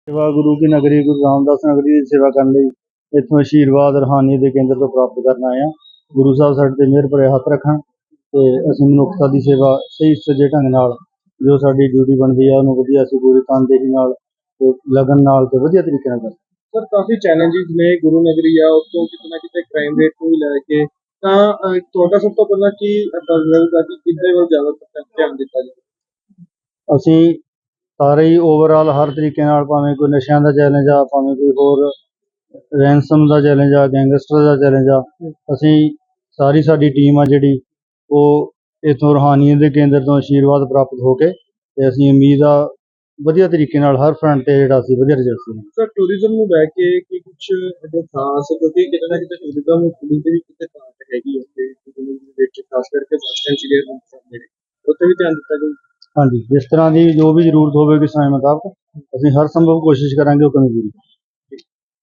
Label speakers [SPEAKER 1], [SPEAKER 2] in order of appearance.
[SPEAKER 1] ਸੇਵਾ ਗੁਰੂ ਕੀ ਨਗਰੀ ਗੁਰੂ ਰਾਮਦਾਸ ਨਗਰੀ ਦੀ ਸੇਵਾ ਕਰਨ ਲਈ ਇੱਥੋਂ ਆਸ਼ੀਰਵਾਦ ਰੂਹਾਨੀ ਦੇ ਕੇਂਦਰ ਤੋਂ ਪ੍ਰਾਪਤ ਕਰਨ ਆਏ ਹਾਂ। ਗੁਰੂ ਸਾਹਿਬ ਸਾਡੇ ਤੇ ਮਿਹਰ ਭਰੇ ਹੱਥ ਰੱਖਣ ਤੇ ਅਸੀਂ ਮਨੁੱਖਤਾ ਦੀ ਸੇਵਾ ਸਹੀ ਸੁਚੱਜੇ ਢੰਗ ਨਾਲ ਜੋ ਸਾਡੀ ਡਿਊਟੀ ਬਣਦੀ ਹੈ ਉਹਨੂੰ ਵਧੀਆ ਅਸੀਂ ਪੂਰੀ ਤਨਦੇਹੀ ਨਾਲ ਤੇ ਲਗਨ ਨਾਲ ਤੇ ਵਧੀਆ ਤਰੀਕੇ ਨਾਲ ਕਰਦੇ।
[SPEAKER 2] ਸਰ ਕਾਫੀ ਚੈਲੰਜਸ ਨੇ ਗੁਰੂ ਨਗਰੀ ਆ ਉੱਥੋਂ ਕਿਤੇ ਨਾ ਕਿਤੇ ਕ੍ਰਾਈਮ ਰੇਟ ਨੂੰ ਲੈ ਕੇ ਤਾਂ ਤੁਹਾਡਾ ਸਭ ਤੋਂ ਪਹਿਲਾਂ ਕੀ ਰਹੇਗਾ ਕਿ ਕਿੱਦੇ ਵੱਲ ਜ਼ਿਆਦਾ ਧਿਆਨ ਦਿੱਤਾ ਜਾਵੇ।
[SPEAKER 1] ਅਸੀਂ ਸਾਰੇ ਹੀ ਓਵਰਆਲ ਹਰ ਤਰੀਕੇ ਨਾਲ ਭਾਵੇਂ ਕੋਈ ਨਸ਼ਿਆਂ ਦਾ ਚੈਲੰਜ ਆ ਭਾਵੇਂ ਕੋਈ ਹੋਰ ਰੈਂਸਮ ਦਾ ਚੈਲੰਜ ਆ ਗੈਂਗਸਟਰ ਦਾ ਚੈਲੰਜ ਆ ਅਸੀਂ ਸਾਡੀ ਟੀਮ ਆ ਜਿਹੜੀ ਉਹ ਇੱਥੋਂ ਰੂਹਾਨੀਅਤ ਦੇ ਕੇਂਦਰ ਤੋਂ ਆਸ਼ੀਰਵਾਦ ਪ੍ਰਾਪਤ ਹੋ ਕੇ ਤੇ ਅਸੀਂ ਉਮੀਦ ਆ ਵਧੀਆ ਤਰੀਕੇ ਨਾਲ ਹਰ ਫਰੰਟ ਤੇ ਜਿਹੜਾ ਅਸੀਂ ਵਧੀਆ ਰਿਜ਼ਲਟ ਸੀ।
[SPEAKER 2] ਸਰ ਟੂਰਿਜ਼ਮ ਨੂੰ ਲੈ ਕੇ ਕੀ ਕੁਝ ਜੋ ਖਾਸ ਕਿਉਂਕਿ ਕਿਤੇ ਨਾ ਕਿਤੇ ਟੂਰਿਜ਼ਮ ਪੁਲਿਸ ਦੀ ਵੀ ਕਿਤੇ ਘਾਟ ਹੈਗੀ ਉੱਥੇ ਵਿੱਚ ਖਾਸ ਕਰਕੇ ਸਸਟੈਂਸ ਜਿਹੜੇ ਉੱਥੇ ਵੀ ਧਿਆਨ ਦਿੱਤਾ ਜਾਊ।
[SPEAKER 1] ਹਾਂਜੀ, ਜਿਸ ਤਰ੍ਹਾਂ ਦੀ ਜੋ ਵੀ ਜ਼ਰੂਰਤ ਹੋਵੇਗੀ ਸਮੇਂ ਮੁਤਾਬਕ ਅਸੀਂ ਹਰ ਸੰਭਵ ਕੋਸ਼ਿਸ਼ ਕਰਾਂਗੇ ਉਹ ਕਮੀ ਪੂਰੀ।